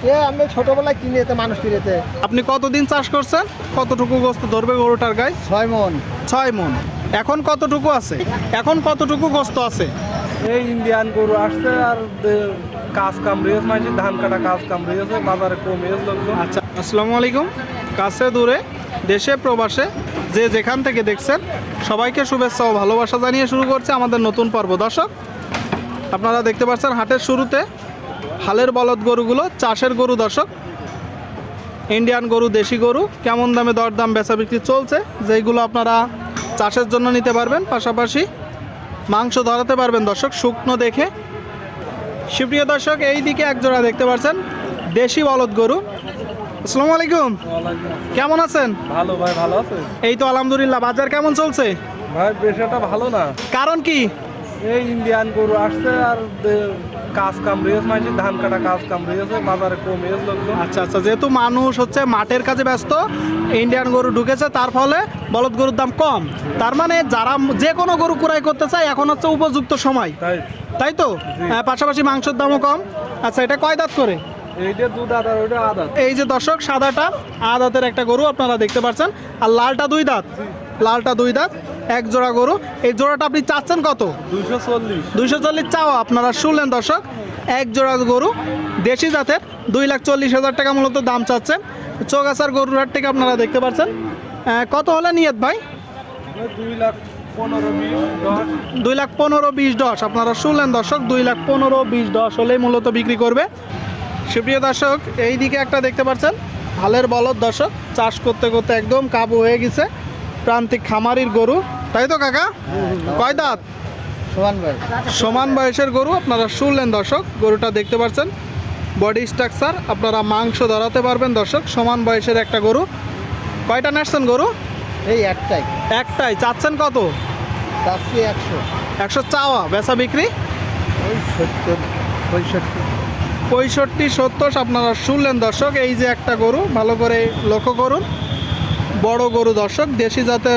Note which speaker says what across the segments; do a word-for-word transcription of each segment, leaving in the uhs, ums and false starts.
Speaker 1: এ আমি ছোটবেলায় কিনে যেতে মানুষ কিনেতে।
Speaker 2: আপনি কতদিন চাষ করছেন? কতটুকু গোস্ত ধরবে গরুটার গায়ে?
Speaker 1: ছয় মন।
Speaker 2: ছয় মন। এখন কতটুকু আছে? এখন কতটুকু গোস্ত আছে?
Speaker 3: এই ইন্ডিয়ান গরু আসছে আর দে- কাজ কাম রয়েছে, মানে ধান কাটা কাজ কাম রয়েছে, বাজারে কমে লোকজন।
Speaker 2: আচ্ছা, আসসালামু আলাইকুম। কাছে দূরে দেশে প্রবাসে যে যেখান থেকে দেখছেন সবাইকে শুভেচ্ছা ও ভালোবাসা জানিয়ে শুরু করছে আমাদের নতুন পর্ব। দর্শক, আপনারা দেখতে পাচ্ছেন হাটের শুরুতে হালের বলদ গরুগুলো চাষের গরু। দর্শক, ইন্ডিয়ান গরু, দেশি গরু কেমন দামে দরদাম বেচা বিক্রি চলছে, যেইগুলো আপনারা চাষের জন্য নিতে পারবেন, পাশাপাশি মাংস ধরাতে পারবেন। দর্শক, শুকনো দেখে। সুপ্রিয় দর্শক, এই দিকে এক জোড়া দেখতে পাচ্ছেন দেশি বলদ গরু। আসসালামু আলাইকুম, কেমন আছেন?
Speaker 3: ভালো ভাই, ভালো আছে
Speaker 2: এই তো আলহামদুলিল্লাহ। বাজার কেমন চলছে
Speaker 3: ভাই? বেশটা ভালো না।
Speaker 2: কারণ কি?
Speaker 3: এই ইন্ডিয়ান গরু আসছে আর দে- কাজ কাম রয়েছে, মানে ধান কাটা কাজ কাম রয়েছে, বাজারে কমে লোকজন।
Speaker 2: আচ্ছা আচ্ছা, যেহেতু মানুষ হচ্ছে মাঠের কাজে ব্যস্ত, ইন্ডিয়ান গরু ঢুকেছে, তার ফলে বলদ গরুর দাম কম। তার মানে যারা যে কোনো গরু ক্রয় করতে চায় এখন হচ্ছে উপযুক্ত সময়,
Speaker 3: তাই
Speaker 2: তাই তো? হ্যাঁ, পাশাপাশি মাংসের দামও কম। আচ্ছা, এটা কয় দাঁত করে?
Speaker 3: এইটা দু দাঁত আর ওইটা আদাত।
Speaker 2: এই যে দর্শক, সাদাটা আট দাঁতের একটা গরু আপনারা দেখতে পাচ্ছেন, আর লালটা দুই দাঁত। লালটা দুই দাঁত, এক জোড়া গরু। এই জোড়াটা আপনি চাচ্ছেন কত?
Speaker 3: দুইশো চল্লিশ।
Speaker 2: দুইশো চল্লিশ চাওয়া। আপনারা শুনলেন দর্শক, এক জোড়া গরু দেশি জাতের দুই লাখ চল্লিশ হাজার টাকা মূলত দাম চাচ্ছে। চৌগাছার গরুর হাট থেকে আপনারা দেখতে পাচ্ছেন। আহ, কত হলে নিয়ত ভাই?
Speaker 3: দুই লাখ পনেরো বিশ দশ।
Speaker 2: দুই লাখ পনেরো বিশ দশ। আপনারা শুনলেন দর্শক, দুই লাখ পনেরো বিশ দশ হলেই মূলত বিক্রি করবে। সুপ্রিয় দর্শক, এই দিকে একটা দেখতে পাচ্ছেন হালের বলদ। দর্শক, চাষ করতে করতে একদম কাবু হয়ে গেছে, প্রান্তিক খামারির গরু, তাই তো কাকা? কয় দাঁত?
Speaker 1: সমান ভাই।
Speaker 2: সমান বয়সের গরু আপনারা শুনলেন দর্শক। গরুটা দেখতে পাচ্ছেন, বডি স্ট্রাকচার, আপনারা মাংস ধরাতে পারবেন। দর্শক, সমান বয়সের একটা গরু। কয়টা নাচছেন গরু?
Speaker 1: এই একটাই।
Speaker 2: একটাই। চাচ্ছেন কত?
Speaker 1: চাচ্ছি একশো।
Speaker 2: একশো চাওয়া। বেচা বিক্রি
Speaker 1: ওই সত্তর পঁয়ষট্টি।
Speaker 2: পঁয়ষট্টি সত্তর। আপনারা শুনলেন দর্শক, এই যে একটা গরু, ভালো করে লক্ষ্য করুন। বড় গরু দর্শক, দেশি জাতের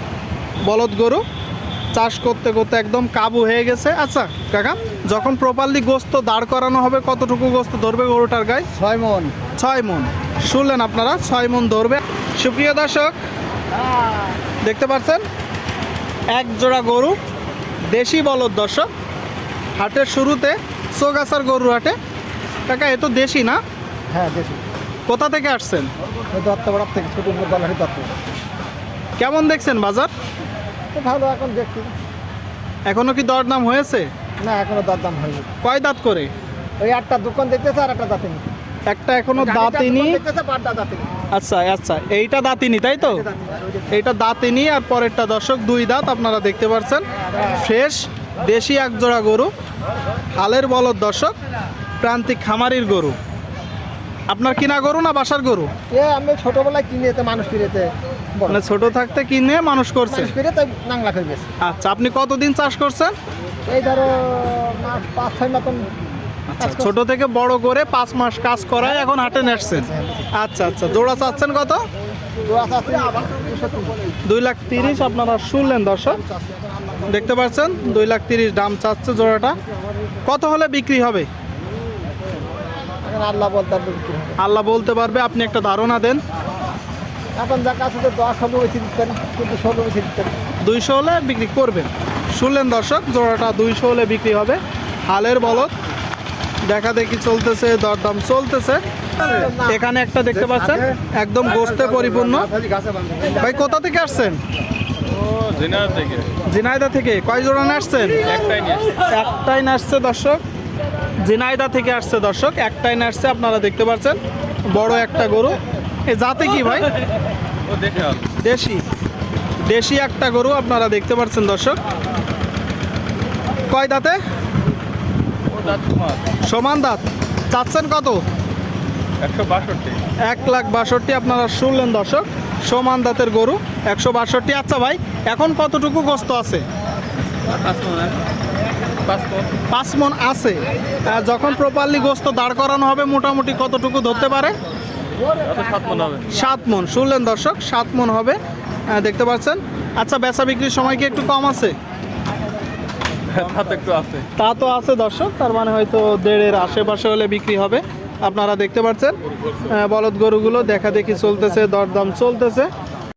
Speaker 2: বলদ গরু, চাষ করতে করতে একদম কাবু হয়ে গেছে। আচ্ছা কাকা, যখন প্রপারলি গোস্ত দাঁড় করানো হবে কতটুকু গোস্ত ধরবে গরুটার গায়ে?
Speaker 1: ছয় মন।
Speaker 2: ছয় মন। শুনলেন আপনারা, ছয় মন ধরবে। সুপ্রিয় দর্শক, দেখতে পাচ্ছেন এক জোড়া গরু দেশি বলদ। দর্শক, হাটের শুরুতে চৌগাছার গরুর হাটে। কাকা, এ তো দেশি না?
Speaker 1: হ্যাঁ দেশি।
Speaker 2: কোথা থেকে আসছেন?
Speaker 1: ওই দত্তপাড়ার থেকে ছোট দলারি দত্ত।
Speaker 2: কেমন দেখছেন বাজার?
Speaker 1: তো ভালো এখন দেখছি।
Speaker 2: এখনো কি দরদাম হয়েছে?
Speaker 1: না এখনো দরদাম হয়নি।
Speaker 2: কয় দাঁত করে?
Speaker 1: ওই একটা দোকান দেখতেছে আর একটা দাঁতিনি।
Speaker 2: একটা এখনো দাঁতিনি।
Speaker 1: দেখতেছে পাঁচটা দাঁতিনি।
Speaker 2: আচ্ছা আচ্ছা, এইটা দাঁতিনি তাই তো? এইটা দাঁতিনি, আর পরেরটা দর্শক দুই দাঁত। আপনারা দেখতে পাচ্ছেন ফ্রেশ দেশি এক জোড়া গরু, হালের বলদ। দর্শক, প্রান্তিক খামারির গরু। আপনার কিনা গরু না বাসার গরু?
Speaker 1: এ আমি ছোটবেলায় কিনে যেতে মানুষ কিনেতে।
Speaker 2: মানে ছোট থাকতে কিনে মানুষ করছে।
Speaker 1: মানুষ কিনে তাই নাংলা হয়ে গেছে।
Speaker 2: আচ্ছা, আপনি কতদিন চাষ করছেন?
Speaker 1: এই ধরো মাস পাঁচ ছয় মতন।
Speaker 2: আচ্ছা, ছোট থেকে বড় করে পাঁচ মাস কাজ করায় এখন হাটে নেসছেন। আচ্ছা আচ্ছা, জোড়া চাচ্ছেন কত? দুই লাখ তিরিশ। আপনারা শুনলেন দর্শক, দেখতে পাচ্ছেন দুই লাখ তিরিশ দাম চাচ্ছে জোড়াটা। কত হলে বিক্রি হবে?
Speaker 1: এখন আল্লাহ বলতে পারবে বিক্রি হবে।
Speaker 2: আল্লাহ বলতে পারবে। আপনি একটা ধারণা দেন।
Speaker 1: এখন যা কাছে তো দশ ষোলো বেশি দিচ্ছেন, কিন্তু ষোলো বেশি দিচ্ছেন।
Speaker 2: দুইশো হলে বিক্রি করবেন। শুনলেন দর্শক, জোড়াটা দুইশো হলে বিক্রি হবে। হালের বলদ, দেখা দেখি চলতেছে, দরদাম চলতেছে। এখানে একটা দেখতে পাচ্ছেন একদম গোস্তে পরিপূর্ণ। ভাই কোথা থেকে আসছেন? ঝিনাইদা থেকে। কয় জোড়া আসছেন? একটাই আসছে দর্শক, ঝিনাইদা থেকে আসছে দর্শক, একটাই আসছে। আপনারা দেখতে পাচ্ছেন বড় একটা গরু। এ জাতে কি ভাই? দেশি। দেশি একটা গরু আপনারা দেখতে পাচ্ছেন দর্শক। কয় দাঁতে? সমান দাঁত। চাচ্ছেন কত?
Speaker 3: একশো বাষট্টি।
Speaker 2: এক লাখ বাষট্টি। আপনারা শুনলেন দর্শক, সমান দাঁতের গরু, একশো বাষট্টি। আচ্ছা ভাই, এখন কতটুকু গোস্ত আছে? পাঁচ মন আছে। আর যখন প্রপারলি গোস্ত দাঁড় করানো হবে মোটামুটি কতটুকু ধরতে পারে? সাত মন। শুনলেন দর্শক, সাত মন হবে। আহ, দেখতে পাচ্ছেন। আচ্ছা, বেচা বিক্রির সময় কি একটু কম আছে?
Speaker 3: একটু আছে।
Speaker 2: তা তো আছে দর্শক, তার মানে হয়তো দেড়ের আশেপাশে হলে বিক্রি হবে। আপনারা দেখতে পাচ্ছেন আহ, বলদ গরুগুলো দেখা দেখি চলতেছে, দরদাম চলতেছে।